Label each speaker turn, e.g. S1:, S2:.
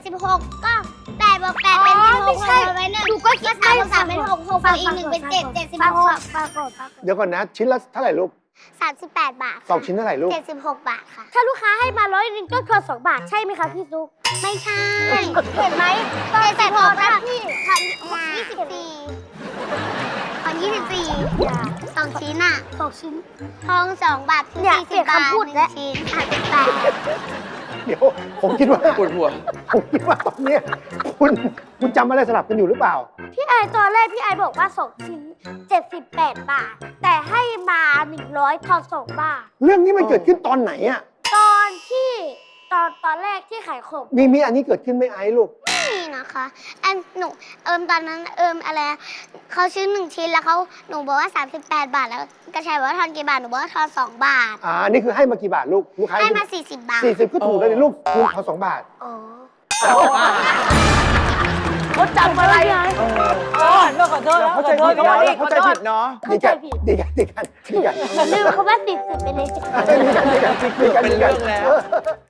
S1: 76ก็8บวก8เป็น16
S2: ไม่ใช่
S1: ไว้1
S2: หนูก็คิด
S1: 3บวก3เป็น6 6บวกอีก1เป็น7 76
S3: เดี๋ยวก่อนนะชิ้นละเท่าไหร่ลูก
S1: 38 บาท
S3: สองชิ้นเท่าไหร่ลูก
S1: 76 บาทค่ะ
S2: ถ้าลูกค้าให้มา100ก็ทอน2 บาทใช่ไหมคะพี่ซุก
S1: ไม่ใช่
S2: เห็นไหมตอน76นะพี่
S1: ทอน24ทอน24 2 ชิ้นอ่ะ
S2: 2 ชิ้น
S1: ทอง2 บาทคือ
S2: เนี่ยเปลี่ยน
S1: 40 บาท
S2: คำพูดแล้ว
S1: 1ชิ้น38
S3: เดี๋ยวผมคิดว่า
S4: ปวดหัว
S3: ผมคิดว่าตอนเนี้ยคุณจำอะไรสลับกันอยู่หรือเปล่า
S2: พี่ไอตอนแรกพี่ไอบอกว่า2 ชิ้น 78 บาท แต่ให้มา100ทอน2 บาท
S3: เรื่องนี้มันเกิดขึ้นตอนไหนอะ
S2: ตอนที่ตอนแรกที่ขายของ
S3: มีอันนี้เกิดขึ้นไหม่ไอ้ลูก
S1: นี่นะคะอันหนูตอนนั้นอะไรนะเขาซื้อ1 ชิ้นแล้วหนูบอกว่า38 บาทแล้วกระชายบอกว่าทอนกี่บาทหนูบอกว่าทอน2 บาท
S3: นี่คือให้มากี่บาทลูกค้า
S1: ให้มา40 บาท
S3: 40ก็ถูกแล้วนี่ลูกคุณเขา2 บาท
S2: อ๋อ
S5: เขาจำอะไรอ๋อขอโทษ
S4: เข้าใจผิดเนาะเข้าใจผิดเนาะ
S3: ดีกันดีกันดีกันดีกัน
S2: ลืมคำว่า40ไปเลย
S3: ดีกันดีกันดีกัน
S4: เป็นเรื่องแล้ว